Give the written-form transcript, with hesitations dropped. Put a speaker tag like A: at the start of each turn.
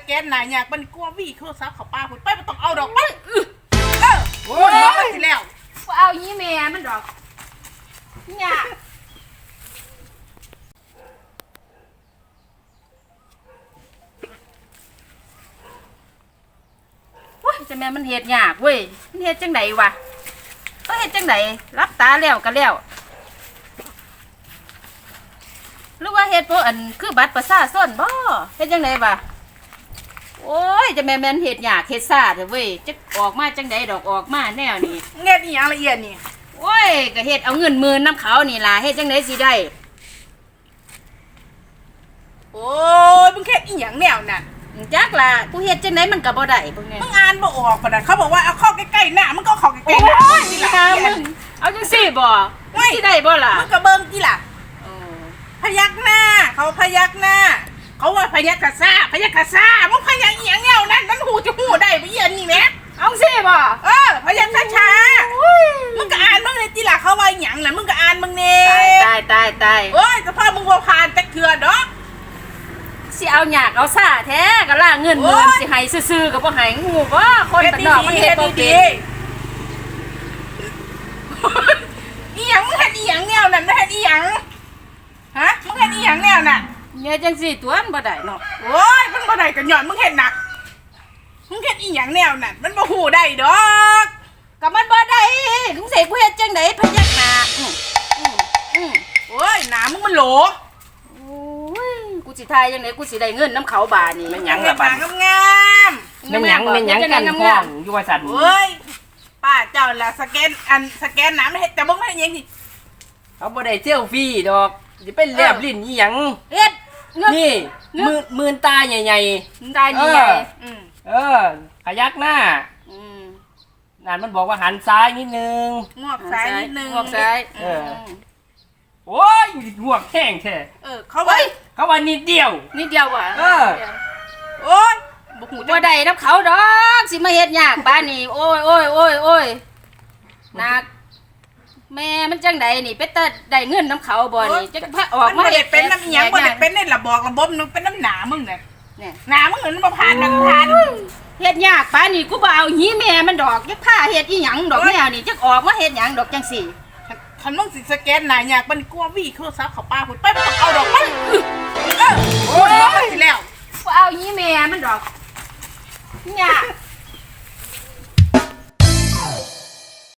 A: แกนหนาอยากมันกลัววี่โทรศัพท์เขาป้าคุณไปมันต้องเอาดอกไปโอ้ยน้องไปสิแล้ว
B: เอายี่แม่มันดอกเนี่ยจะแม่มันเฮ็ดยากเว้ยมันเฮ็ดจังไดวะก็เฮ็ดจังไดรับตาแล้วก็แล้วหรือว่าเฮ็ดบ่อันคือบัตรประชาชนบ่เฮ็ดจังไดวะโอ้ยจะแม่นเฮ็ดยากเฮ็ดซ่าเด้อเว้ยจะออกมาจังไดดอกออกมาแนวนี้
A: เงี้ยนี่อย่างละเอียดนี่
B: โอ้ยก็เฮ็ดเอาเงิน10,000นำเขานี่ล่ะเฮ็ดจังไดสิได้
A: โอ้ยมึงแค่อีหยังแนวน่ะ
B: จักล่ะกูเฮ็ดจังไดมันก็บ่ได้พวกนี้
A: มึงอ่านบ่ออกปะน่ะเขาบอกว่าเอาเข้าใกล้ๆหน้ามึงก็เข้าใกล้ๆหน้า
B: นี่ล่ะมึงเอาจังซี่บ่สิได้บ่ล่ะ
A: มึงก็เบิ่งติล่ะพยักหน้าเขาพยักหน้าเขาว่าพยักกะซ่าพยักกะซ่ามึงพยักอีหยังแนวนั้นมันหูจะหูได้บ่เอียนนี่แหม
B: เอาซี่บ่
A: พยักช้าๆมึงก็อ่านมึงเลยติล่ะเขาว่าอีหยังน่ะมึงก็อ่านมึงแน่
B: ตาย
A: โอ้ยแต่พอมึงบ่ผ่านจักเทื่อดอก
B: สิเอาหยากเอาซ่าแท้ก็ล่าเงิน10,000สิให้ซื่อๆก็บ่ให้งูบ่คนบ้านนอกมันเฮ็ดบ่เป็น
A: อีหยังมึงเฮ็ดอีหยังแนวนั้นมึงเฮ็ดอีหยังฮะมึงเฮ็ดอีหยังแนวน่ะ
B: เนี่ยจังซี่ตัวมันบ่ได้เนาะ
A: โอ้ยมันบ่ได้ก็ย้อนมึงเฮ็ดหนักมึงเฮ็ดอีหยังแนวนั้นมันบ่ฮู้ได้ดอก
B: ก็มันบ่ได้มึงสิกูเฮ็ดจังได๋พยักหน้า
A: โอ้ยหน้ามึงมันโหล
B: กูสิทายจังได๋กูสิได้เงินนำเขาบาดนี่
A: แม่
B: น
A: หยังล่ะบาดงาม
C: แม่นหยังกันห้องอยู่ว่าซั่น
A: โอ้ยป้าเจ้าล่ะสแกนหน้ามันเฮ็ดแต่บ่เฮ็ดหยังสิ
C: เขาบ่ได้เซลฟี่ดอกสิไปแลบลิ้นอีหยัง
B: เฮ็ด
C: นี่มือตาใหญ่
B: ๆตาใหญ่
C: ขยักหน้านั่นมันบอกว่าหันซ้ายนิดนึง
A: งวกซ้ายนิดนึง
B: งวกซ้าย
C: โอ้ยงวกแห้งแท้
A: เขาว่า
C: นิดเดียว
B: ว่ะ
A: โอ้ย
B: บ่ได้นำเขาดอกสิมาเฮ็ดยากปานนี้โอ้ยนักแม่มันจังไดนี่เป็นตาได้เงินนำเขาบ่นี่จักพาออกมา
A: เฮ็ดเป็นน้ำอีหยังบ่ได้เป็นในระบบนึงเป็นน้ำหนามึงน่ะหนามึงมันบ่ผ่าน
B: เฮ็ดยากปานนี้กูบ่เอาหีแม่มันดอกจักพาเฮ็ดอีหยังดอกแนวนี่จักออกมาเฮ็ดหยังดอกจังซี่
A: คันมึงสิสแกนหน้าอยากมันกลัววี่โทรศัพท์เขาป้าคุณไปมันต้องเอาดอกไปโอ้ยน้องไปสิแล้ว
B: กูเอาหีแม่มันดอกเนี่ย